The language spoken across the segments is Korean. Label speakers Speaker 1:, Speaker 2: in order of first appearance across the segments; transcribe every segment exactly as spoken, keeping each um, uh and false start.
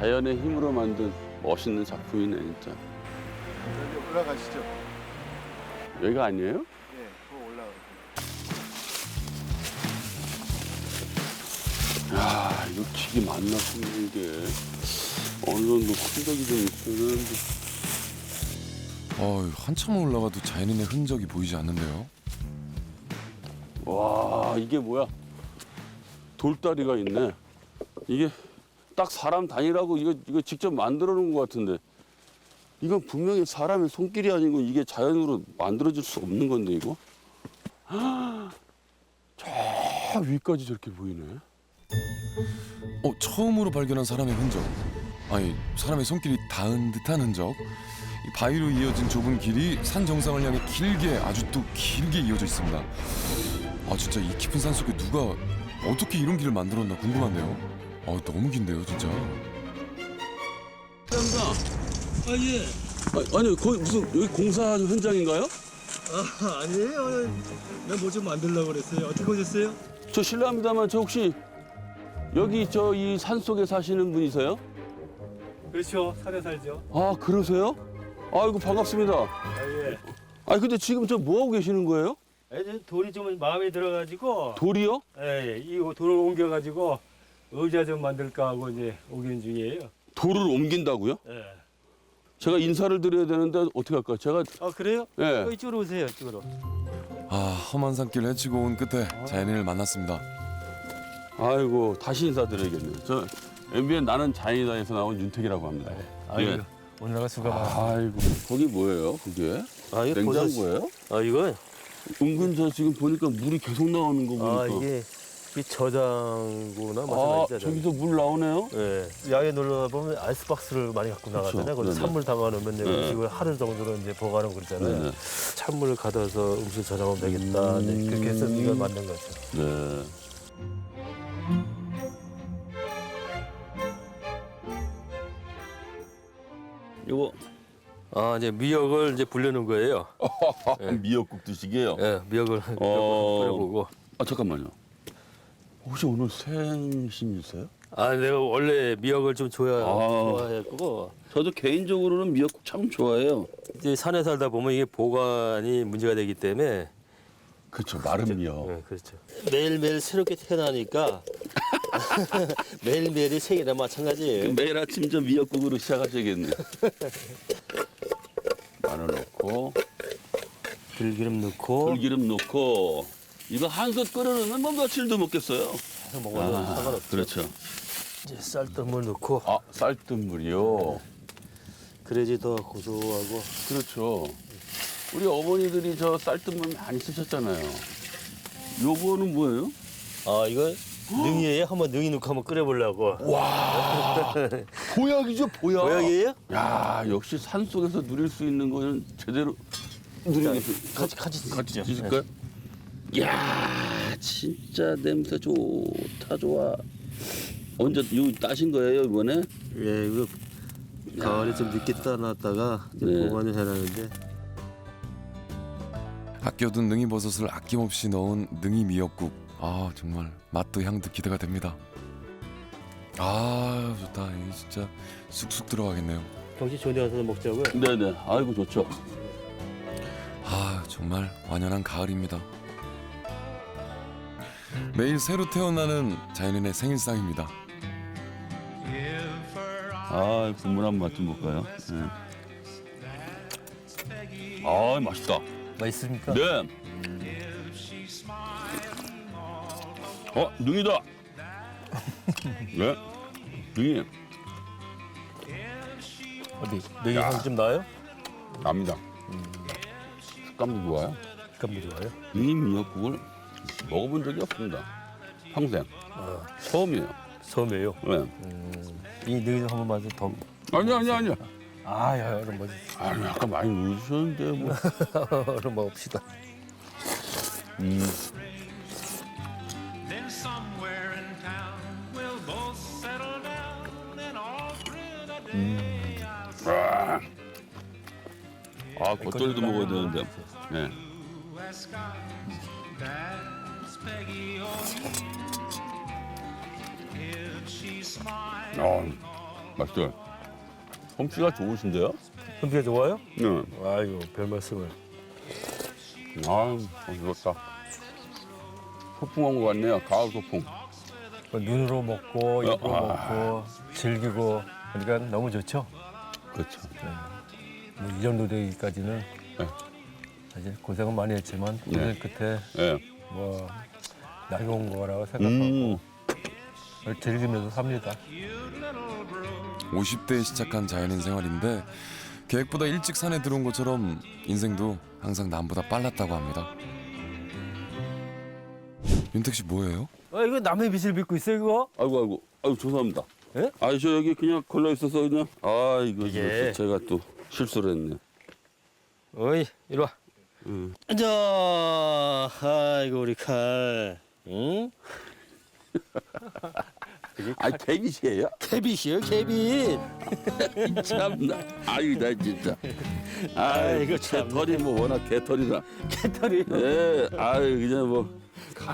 Speaker 1: 자연의 힘으로 만든 멋있는 작품이네 진짜.
Speaker 2: 여기 올라가시죠.
Speaker 1: 여기가 아니에요?
Speaker 2: 예, 그거 올라가요.
Speaker 1: 야, 이거 길이 맞나 싶네 이게. 어느 정도 흔적이 좀 있어야 되는데.
Speaker 3: 어, 한참 올라가도 자연인의 흔적이 보이지 않는데요.
Speaker 1: 와, 이게 뭐야? 돌다리가 있네. 이게 딱 사람 다니라고 이거 이거 직접 만들어 놓은 것 같은데. 이건 분명히 사람의 손길이 아니고 이게 자연으로 만들어질 수 없는 건데 이거. 저 위까지 저렇게 보이네.
Speaker 3: 어, 처음으로 발견한 사람의 흔적. 아니, 사람의 손길이 닿은 듯한 흔적. 이 바위로 이어진 좁은 길이 산 정상을 향해 길게, 아주 또 길게 이어져 있습니다. 아, 진짜 이 깊은 산 속에 누가 어떻게 이런 길을 만들었나 궁금한데요. 아, 너무 긴데요, 진짜.
Speaker 1: 감사합니다.
Speaker 4: 아, 예.
Speaker 1: 아, 아니 거기 무슨 여기 공사 현장인가요?
Speaker 4: 아, 아니에요. 내가 뭐 좀 만들려고 그랬어요. 어떻게 오셨어요?
Speaker 1: 저 실례합니다만 저 혹시 여기 저 이 산 속에 사시는 분이세요?
Speaker 4: 그렇죠. 산에 살죠.
Speaker 1: 아 그러세요? 아이고 반갑습니다.
Speaker 4: 아, 예.
Speaker 1: 아니 근데 지금 저 뭐 하고 계시는 거예요?
Speaker 4: 애들 돌이 좀 마음에 들어가지고,
Speaker 1: 돌이요?
Speaker 4: 예, 예. 이 돌을 옮겨가지고 의자 좀 만들까 하고 이제 오긴 중이에요.
Speaker 1: 돌을 옮긴다고요?
Speaker 4: 예.
Speaker 1: 제가 인사를 드려야 되는데 어떻게 할까요? 제가
Speaker 4: 아, 그래요?
Speaker 1: 예.
Speaker 4: 어, 이쪽으로 오세요. 이쪽으로.
Speaker 3: 아, 험한 산길 헤치고 온 끝에 자연인을 만났습니다.
Speaker 1: 아이고 다시 인사드려야겠네요. 저 엠비엔 나는 자연이다에서 나온 윤택이라고 합니다.
Speaker 4: 아이고,
Speaker 1: 예.
Speaker 4: 오늘가 수가 많아.
Speaker 1: 아이고 거기 뭐예요? 그게
Speaker 4: 아, 이거
Speaker 1: 냉장고예요?
Speaker 4: 아, 이거?
Speaker 1: 은근 저 지금 보니까 물이 계속 나오는 거 보니까.
Speaker 4: 아, 이게 이 저장고나
Speaker 1: 아,
Speaker 4: 마찬가지죠.
Speaker 1: 저기서 물 나오네요.
Speaker 4: 예. 야외 놀러 보면 아이스박스를 많이 갖고 나가잖아요. 거기
Speaker 1: 네네.
Speaker 4: 찬물 담아놓으면 이제
Speaker 1: 네.
Speaker 4: 음식을 하루 정도로 이제 보관하고 그러잖아요.
Speaker 1: 네.
Speaker 4: 찬물을 가둬서 음식 저장하면 되겠다. 네, 그렇게 해서 이걸 만든 거죠.
Speaker 1: 네.
Speaker 4: 이거 아 이제 미역을 이제 불려놓은 거예요.
Speaker 1: 미역국 드시게요?
Speaker 4: 예, 미역을
Speaker 1: 어.
Speaker 4: 끓여보고.
Speaker 1: 아 잠깐만요. 혹시 오늘 생신이세요?
Speaker 4: 아 내가 원래 미역을 좀 좋아
Speaker 1: 아.
Speaker 4: 좋아했고
Speaker 1: 저도 개인적으로는 미역국 참 좋아해요.
Speaker 4: 이제 산에 살다 보면 이게 보관이 문제가 되기 때문에.
Speaker 1: 그렇죠. 마른 미역.
Speaker 4: 네, 그렇죠. 매일매일 새롭게 태어나니까 매일매일이 생일이나 마찬가지예요.
Speaker 1: 매일 아침 저 미역국으로 시작하셔야겠네요. 마늘 넣고
Speaker 4: 들기름 넣고
Speaker 1: 들기름 넣고 이거 한솥 끓여놓으면 뭐 며칠도 먹겠어요.
Speaker 4: 해서 먹어도
Speaker 1: 아,
Speaker 4: 상관없죠.
Speaker 1: 그렇죠.
Speaker 4: 이제 쌀뜨물 넣고
Speaker 1: 아 쌀뜨물이요.
Speaker 4: 그래야지 더 고소하고.
Speaker 1: 그렇죠. 우리 어머니들이 저 쌀뜨물 많이 쓰셨잖아요. 요거는 뭐예요?
Speaker 4: 아 이거 능이에요? 한번 능이 넣고 한번 끓여보려고.
Speaker 1: 와 보약이죠 보약.
Speaker 4: 보약이에요?
Speaker 1: 야 역시 산 속에서 누릴 수 있는 거는 제대로 누리겠어요.
Speaker 4: 같이 같이
Speaker 1: 같이
Speaker 4: 드시죠.
Speaker 1: 드실까요? 야 진짜 냄새 좋다 좋아. 언제 요 따신 거예요 이번에?
Speaker 4: 예, 이거 가을에 좀 늦게 따놨다가 이제
Speaker 1: 네.
Speaker 4: 보관을 해놨는데.
Speaker 3: 아껴둔 능이버섯을 아낌없이 넣은 능이 미역국. 아, 정말 맛도 향도 기대가 됩니다. 아, 좋다. 이게 진짜 쑥쑥 들어가겠네요.
Speaker 4: 경치 좋은 데 가서 먹자고요.
Speaker 1: 네네. 아이고 좋죠.
Speaker 3: 아, 정말 완연한 가을입니다. 매일 새로 태어나는 자연인의 생일상입니다.
Speaker 1: 아 국물 한 맛 좀 볼까요? 네. 아 맛있다.
Speaker 4: 맛있습니까?
Speaker 1: 네. 어 능이다. 네. 능이
Speaker 4: 어디 능이 향 좀 나요?
Speaker 1: 납니다. 식감도 좋아요.
Speaker 4: 감도 좋아요.
Speaker 1: 능이 미역국을 먹어본 적이 없습니다. 평생
Speaker 4: 아,
Speaker 1: 처음이에요.
Speaker 4: 처음이에요.
Speaker 1: 네.
Speaker 4: 이 능이 좀 한번 맛을 더.
Speaker 1: 아니 아니 아니.
Speaker 4: 아, 야, 이런 뭐
Speaker 1: 아니 아까 많이 넣으셨는데 뭐.
Speaker 4: 이런 먹읍시다.
Speaker 1: 음.
Speaker 5: Then somewhere in town we'll both settle down and all through the day I'll
Speaker 1: 아, 아 겉절이도 먹어야 되는데. 네.
Speaker 5: ask God, that's Peggy O'Neill. If she smiled
Speaker 1: 어,
Speaker 5: all
Speaker 1: 맛있어요. 솜씨가 좋으신데요?
Speaker 4: 솜씨가 좋아요?
Speaker 1: 네.
Speaker 4: 아이고 별 말씀을.
Speaker 1: 아, 맛있었다. 소풍한 것 같네요. 가을 소풍.
Speaker 4: 눈으로 먹고 입으로
Speaker 1: 아.
Speaker 4: 먹고 즐기고 그러니까 너무 좋죠.
Speaker 1: 그렇죠.
Speaker 4: 뭐 이 정도 되기까지는
Speaker 1: 네.
Speaker 4: 사실 고생은 많이 했지만 고생
Speaker 1: 네.
Speaker 4: 끝에
Speaker 1: 예.
Speaker 4: 뭐 나이 온 거라고 생각하고
Speaker 1: 음.
Speaker 4: 즐기면서 삽니다.
Speaker 3: 오십 대에 시작한 자연인 생활인데 계획보다 일찍 산에 들어온 것처럼 인생도 항상 남보다 빨랐다고 합니다. 윤택 씨 뭐예요?
Speaker 4: 아 이거 남의 빚을 빚고 있어 이거?
Speaker 1: 아이고 아이고 아이고 죄송합니다.
Speaker 4: 예?
Speaker 1: 아, 저 여기 그냥 걸려 있어서 그냥 아 이거
Speaker 4: 이게-
Speaker 1: 제가 또 실수를 했네.
Speaker 4: 어이 이리 와.
Speaker 1: 음.
Speaker 6: 자, 아이고 우리 칼, 응?
Speaker 1: 아 개빗이에요?
Speaker 6: 캐빗이요, 캐빗.
Speaker 1: 참나. 아유 나 진짜.
Speaker 6: 아이고, 참.
Speaker 1: 개털이 뭐 워낙 개털이라.
Speaker 6: 캐터리.
Speaker 1: 예. 아유 그냥 뭐.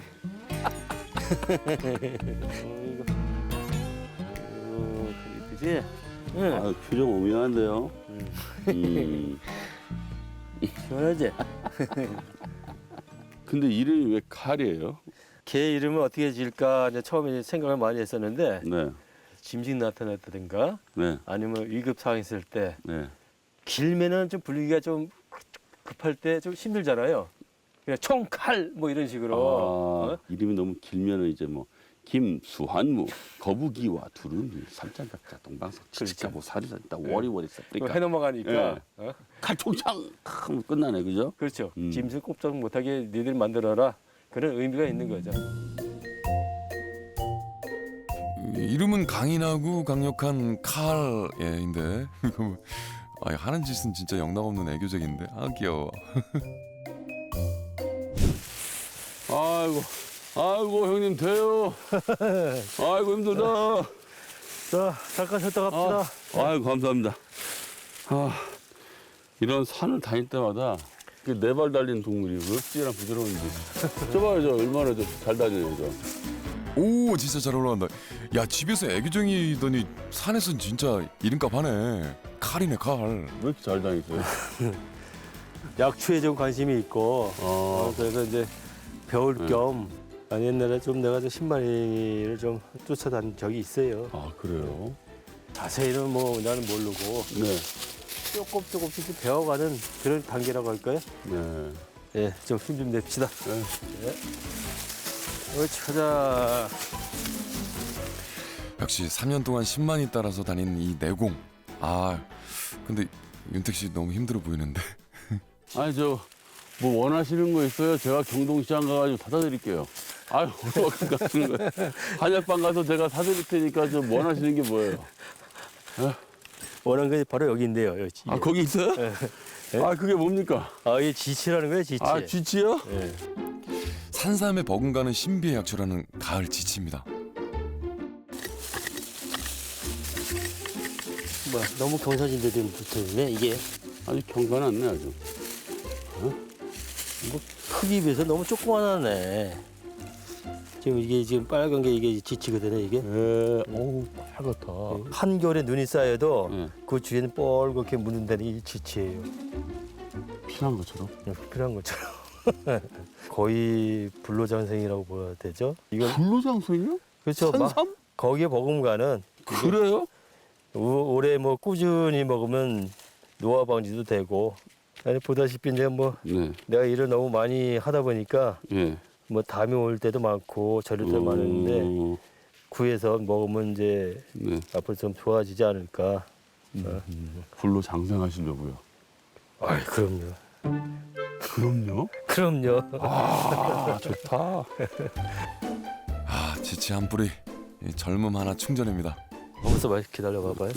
Speaker 6: 어, 그지? 응.
Speaker 1: 아 표정 오묘한데요. 음.
Speaker 6: 시원하지?
Speaker 1: 근데 이름이 왜 칼이에요?
Speaker 6: 걔 이름을 어떻게 지을까 이제 처음에 생각을 많이 했었는데
Speaker 1: 네.
Speaker 6: 짐승 나타났다든가
Speaker 1: 네.
Speaker 6: 아니면 위급 상황 있을 때
Speaker 1: 네.
Speaker 6: 길면은 좀 불리기가 좀 급할 때 좀 힘들잖아요. 그냥 총칼 뭐 이런 식으로.
Speaker 1: 아,
Speaker 6: 어?
Speaker 1: 이름이 너무 길면은 이제 뭐 김수환무 거북이와 두루미 삼장각자 동방석 치치카 뭐 사리사 딱 워리워리
Speaker 6: 그거
Speaker 1: 쌉니까
Speaker 6: 해넘어가니까.
Speaker 1: 예.
Speaker 6: 어?
Speaker 1: 칼총창 하면 끝나네 그죠?
Speaker 6: 그렇죠.
Speaker 1: 음.
Speaker 6: 짐승 꼼짝 못하게 니들 만들어라. 그런 의미가 있는 거죠.
Speaker 3: 이름은 강인하고 강력한 칼예인데 이거 뭐- 아, 하는 짓은 진짜 영락없는 애교적인데 아 귀여워.
Speaker 1: 아이고 아이고 형님 돼요. 아이고 힘들다.
Speaker 6: 자, 잠깐 쉬었다 갑시다.
Speaker 1: 아, 아이고 감사합니다. 아 이런 산을 다닐 때마다 네 발 달린 동물이 어찌나 부드러운지. 저 봐요 저 얼마나 저 잘 다녀요 저.
Speaker 3: 오 진짜 잘 올라간다. 야 집에서 애교쟁이더니 산에선 진짜 이름값 하네. 칼이네 칼.
Speaker 1: 왜 이렇게 잘 다니세요?
Speaker 6: 약초에 좀 관심이 있고
Speaker 1: 아,
Speaker 6: 어, 그래서 이제 배울
Speaker 1: 네.
Speaker 6: 겸 아니, 옛날에 좀 내가 좀 신마리를 좀 쫓아다닌 적이 있어요.
Speaker 1: 아 그래요?
Speaker 6: 자세히는 뭐 나는 모르고
Speaker 1: 네.
Speaker 6: 조금 조금씩 좀 배워가는 그런 단계라고 할까요?
Speaker 1: 네.
Speaker 6: 예, 좀 힘 좀 냅시다.
Speaker 1: 네.
Speaker 6: 옳지, 가자.
Speaker 3: 역시 삼 년 동안 십만이 따라서 다닌 이 내공. 아 근데 윤택 씨 너무 힘들어 보이는데.
Speaker 1: 아니 저 뭐 원하시는 거 있어요? 제가 경동시장 가가지고 사다 드릴게요. 아유 얼마큼 가시는 거예요? 한약방 가서 제가 사드릴 테니까 좀 원하시는 게 뭐예요?
Speaker 6: 원하는 게 바로 여기인데요. 여기.
Speaker 1: 아 거기 있어요?
Speaker 6: 네.
Speaker 1: 아 그게 뭡니까?
Speaker 6: 아, 이게 지치라는 거예요, 지치.
Speaker 1: 아 쥐치요?
Speaker 6: 예.
Speaker 3: 산삼에 버금가는 신비의 약초라는 가을 지치입니다.
Speaker 6: 뭐 너무 경사진데 좀 붙어있네, 이게.
Speaker 1: 아주 경건하네 아주.
Speaker 6: 크기 비해서 너무 조그만하네. 지금 이게 지금 빨간 게 이게 지치거든요, 이게.
Speaker 1: 예. 어우 빨갛다.
Speaker 6: 한겨울에 눈이 쌓여도
Speaker 1: 예.
Speaker 6: 그 주위에는 뻘겋게 묻는다는 게 지치예요.
Speaker 1: 피난 것처럼.
Speaker 6: 그냥 필요한 것처럼. 거의 불로장생이라고 봐야 되죠. 이건
Speaker 1: 불로장생이요?
Speaker 6: 그렇죠. 막
Speaker 1: 산삼?
Speaker 6: 거기에 버금가는
Speaker 1: 그래요?
Speaker 6: 오- 올해 뭐 꾸준히 먹으면 노화 방지도 되고. 아니 보다시피 이제 뭐
Speaker 1: 네.
Speaker 6: 내가 일을 너무 많이 하다 보니까
Speaker 1: 예.
Speaker 6: 뭐 담이 올 때도 많고 저릴 때도 많은데
Speaker 1: 어,
Speaker 6: 구해서 먹으면 이제
Speaker 1: 네.
Speaker 6: 앞으로 좀 좋아지지 않을까. 어.
Speaker 1: 불로 장생하시려고요.
Speaker 6: 아이 그럼요.
Speaker 1: 그럼요.
Speaker 6: 그럼요.
Speaker 1: 아 좋다.
Speaker 3: 아 지치 한 뿌리 이 젊음 하나 충전입니다.
Speaker 6: 거기서 말 기다려 봐봐요.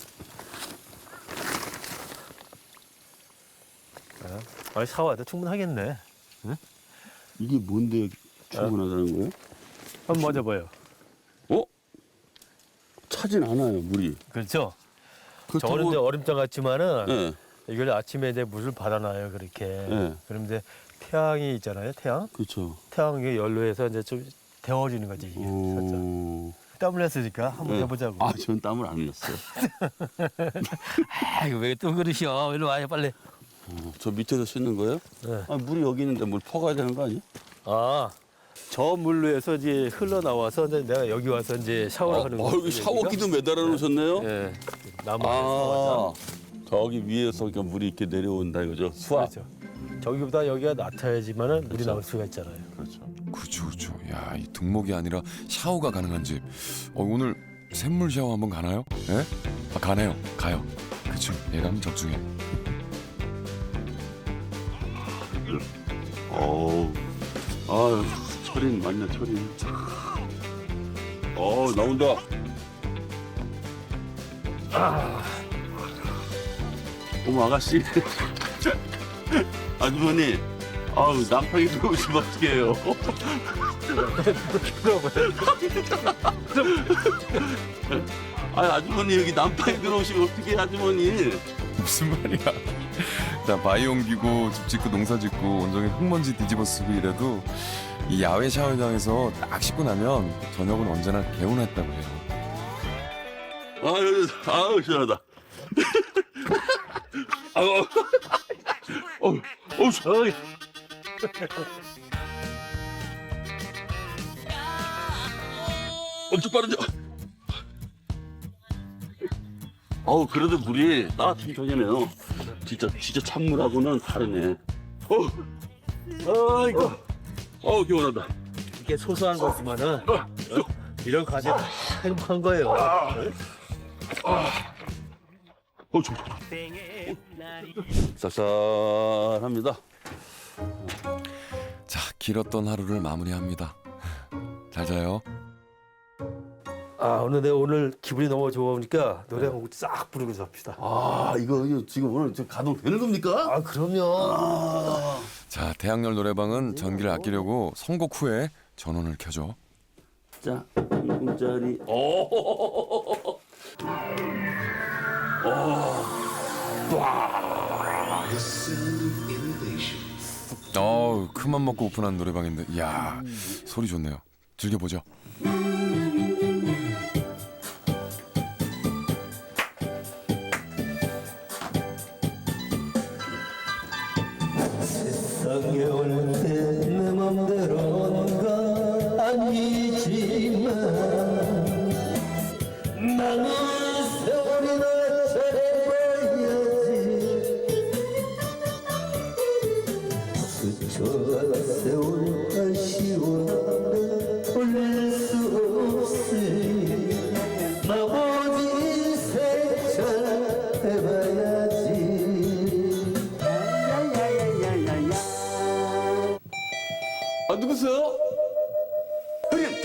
Speaker 6: 아, 샤워해도 충분하겠네.
Speaker 1: 이게 뭔데 충분하다는 거예요?
Speaker 6: 한번 맞아봐요.
Speaker 1: 어? 차진 않아요 물이.
Speaker 6: 그렇죠.
Speaker 1: 그렇다고-
Speaker 6: 저는 이제 얼음장 같지만은
Speaker 1: 예.
Speaker 6: 이걸 아침에 이제 물을 받아놔요 그렇게.
Speaker 1: 네.
Speaker 6: 그럼 이제 태양이 있잖아요 태양.
Speaker 1: 그렇죠.
Speaker 6: 태양이 연료해서 이제 좀 데워지는 거지 이게 살짝.
Speaker 1: 어,
Speaker 6: 땀을 냈으니까 한번
Speaker 1: 네.
Speaker 6: 해보자고.
Speaker 1: 아, 전 땀을 안 흘렸어요.
Speaker 6: 아, 이거 왜 또 그러시오? 일로 와요, 빨리.
Speaker 1: 어, 저 밑에서 씻는 거예요?
Speaker 6: 네.
Speaker 1: 아, 물이 여기 있는데 물 퍼가야 되는 거 아니야?
Speaker 6: 아, 저 물로에서 이제 흘러나와서 이제 내가 여기 와서 이제 샤워를 하는
Speaker 1: 아,
Speaker 6: 거예요.
Speaker 1: 여기 샤워기도 매달아 놓으셨네요?
Speaker 6: 예. 나무
Speaker 1: 아, 저기 위에서 그러니까 물이 이렇게 내려온다 이거죠? 수압.
Speaker 6: 그렇죠. 저기보다 여기가 낮아야지만은 물이 나올 수가 있잖아요.
Speaker 1: 그렇죠.
Speaker 3: 그렇죠, 그렇죠. 야, 이 등목이 아니라 샤워가 가능한 집. 어, 오늘 샘물 샤워 한번 가나요? 예? 아, 가네요. 가요. 그렇죠. 예감 적중해.
Speaker 1: 어우, 아유, 철인 맞네, 철인. 어우, 나온다. 아. 어머, 아가씨. 아주머니, 아우, 남편이 들어오시면 어떡해요. 아, 아주머니, 여기 남편이 들어오시면 어떡해, 아주머니.
Speaker 3: 무슨 말이야? 자, 바위 옮기고 집 짓고 농사 짓고 온종일 흙먼지 뒤집어 쓰고 이래도 이 야외 샤워장에서 딱 씻고 나면 저녁은 언제나 개운했다고 해요.
Speaker 1: 아유, 아유, 시원하다. 아유, 어우, 어우, 시원하게. 엄청 빠르죠? 어우, 그래도 물이 따뜻한 편이네요. 진짜, 진짜 찬물하고는 다르네. 어우, 아이고, 어우, 개운하다.
Speaker 6: 이게 소소한 거지만은 어? 이런 과제 다 행복한 거예요.
Speaker 1: 어, 좀. 쌉쌀합니다.
Speaker 3: 자, 길었던 하루를 마무리합니다. 잘 자요.
Speaker 6: 아, 오늘 내가 오늘 기분이 너무 좋으니까 노래 한 곡 싹 부르고 잡시다.
Speaker 1: 아, 이거, 이거 지금 오늘 저 가동 되는 겁니까?
Speaker 6: 아, 그럼요.
Speaker 1: 아.
Speaker 3: 자, 대학열 노래방은 전기를 아끼려고 선곡 후에 전원을 켜죠.
Speaker 1: 자, 이 분짜리. 오.
Speaker 3: 어우, 큰맘 먹고 오픈한 노래방인데, 이야, 소리 좋네요. 즐겨보죠.
Speaker 6: 세상에 올 때 내 맘대로가 아니지만 나는 세월이나 잘해봐야지. 스쳐간 세월 아쉬워 돌릴 수 없으니 나머지 인생 잘해봐야지.
Speaker 1: 아, 누구세요? 형님, 닭.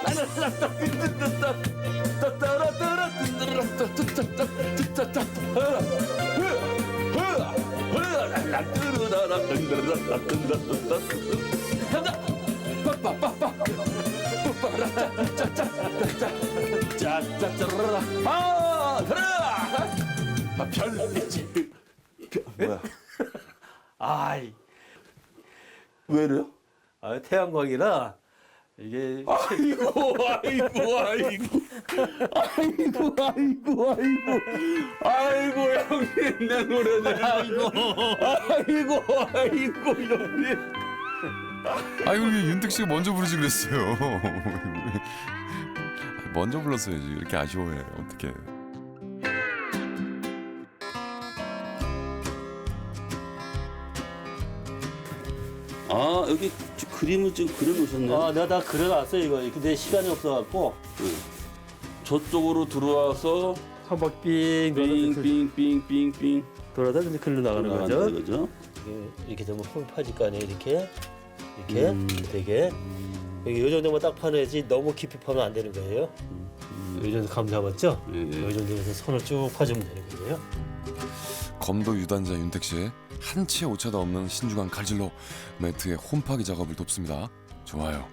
Speaker 1: 아, 들어라. 아, 별이지. 뭐야?
Speaker 6: 아이,
Speaker 1: 왜 이래요?
Speaker 6: 아, 태양광이라 이게
Speaker 1: 아이고, 아이고, 아이고, 아이고, 아이고, 아이고, 아이고, 형님, 내 노래들, 아이고, 아이고, 아이고, 형님.
Speaker 3: 아이고, 왜 윤택 씨가 먼저 부르지 그랬어요. 먼저 불렀어야지. 이렇게 아쉬워해. 어떡해.
Speaker 1: 아, 여기 지- 그림을 지금 그려놓으셨네요.
Speaker 6: 아, 내가 다 그려놨어 이거. 근데 시간이 없어갖고
Speaker 1: 저쪽으로 들어와서
Speaker 6: 한 바퀴 빙
Speaker 1: 빙빙빙빙빙
Speaker 6: 돌아다 이제 글로 나가는 거죠.
Speaker 1: 나가는 거죠.
Speaker 6: 이게 이렇게 되면 홈 파질 거 아니에요. 이렇게 이렇게
Speaker 1: 음.
Speaker 6: 되게 여기 요 정도만 딱 파내야지 너무 깊이 파면 안 되는 거예요. 이 정도 감 잡았죠?
Speaker 1: 예, 예.
Speaker 6: 이 정도에서 선을 쭉 파주면 되는 거예요.
Speaker 3: 검도 유단자 윤택 씨, 한 치의 오차도 없는 신중한 칼질로 매트의 홈파기 작업을 돕습니다. 좋아요.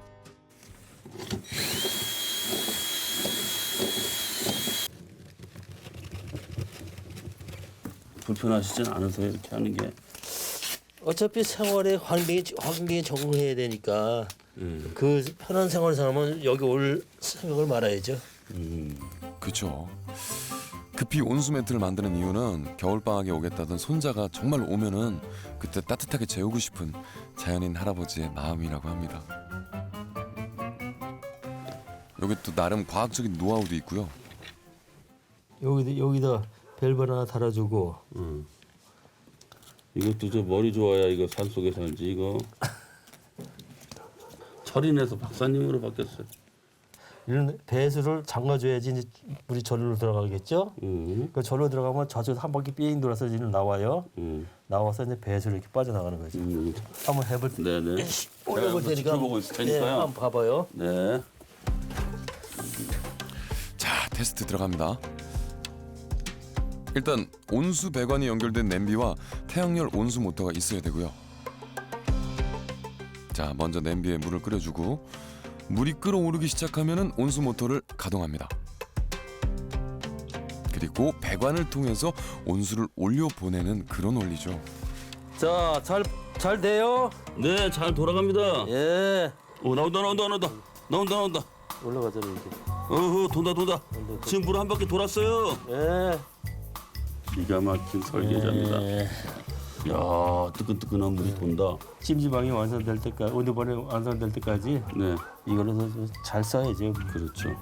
Speaker 1: 불편하시진 않으세요, 이렇게 하는 게?
Speaker 6: 어차피 생활에 환경에 환경에 적응해야 되니까
Speaker 1: 음.
Speaker 6: 그 편한 생활을 살면 여기 올 생각을 말아야죠.
Speaker 1: 음.
Speaker 3: 그쵸. 급히 온수 매트를 만드는 이유는 겨울방학에 오겠다던 손자가 정말 오면은 그때 따뜻하게 재우고 싶은 자연인 할아버지의 마음이라고 합니다. 여기 또 나름 과학적인 노하우도 있고요.
Speaker 6: 여기다 여기다 벨벳 하나 달아주고
Speaker 1: 음. 이것도 저 머리 좋아야 이거 산속에 살지 이거. 철인에서 박사님으로 바뀌었어요.
Speaker 6: 이런 배수를 잠가줘야지 이제 물이 절로 들어가겠죠.
Speaker 1: 음.
Speaker 6: 그 절로 들어가면 저쪽 한 바퀴 삥 돌아서 이제 나와요.
Speaker 1: 음.
Speaker 6: 나와서 이제 배수로 이렇게 빠져나가는 거죠.
Speaker 1: 음.
Speaker 6: 한번 해볼 때
Speaker 1: 네네.
Speaker 6: 올려볼
Speaker 1: 제가
Speaker 6: 테니까
Speaker 1: 지켜보고 있을
Speaker 6: 예,
Speaker 1: 테니까요.
Speaker 6: 한번 봐봐요.
Speaker 1: 네.
Speaker 3: 자, 테스트 들어갑니다. 일단 온수 배관이 연결된 냄비와 태양열 온수 모터가 있어야 되고요. 자, 먼저 냄비에 물을 끓여주고 물이 끓어오르기 시작하면은 온수 모터를 가동합니다. 그리고 배관을 통해서 온수를 올려 보내는 그런 원리죠.
Speaker 6: 자, 잘 잘 돼요.
Speaker 1: 네, 잘 돌아갑니다.
Speaker 6: 예.
Speaker 1: 오, 나온다, 나온다, 나온다, 나온다, 나온다.
Speaker 6: 올라가잖아요 이제.
Speaker 1: 어허, 돈다, 돈다. 지금 물 한 바퀴 돌았어요.
Speaker 6: 예.
Speaker 1: 기가 막힌 설계자입니다.
Speaker 6: 예.
Speaker 1: 야, 뜨끈뜨끈한 물이 돈다.
Speaker 6: 찜질방이 완성될 때까지 온도번에 완성될 때까지
Speaker 1: 네,
Speaker 6: 이걸로 잘 써야죠.
Speaker 1: 그렇죠.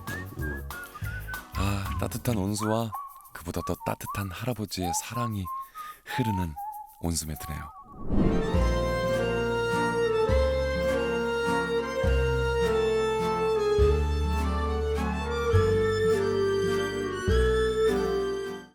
Speaker 3: 아, 따뜻한 온수와 그보다 더 따뜻한 할아버지의 사랑이 흐르는 온수 매트네요.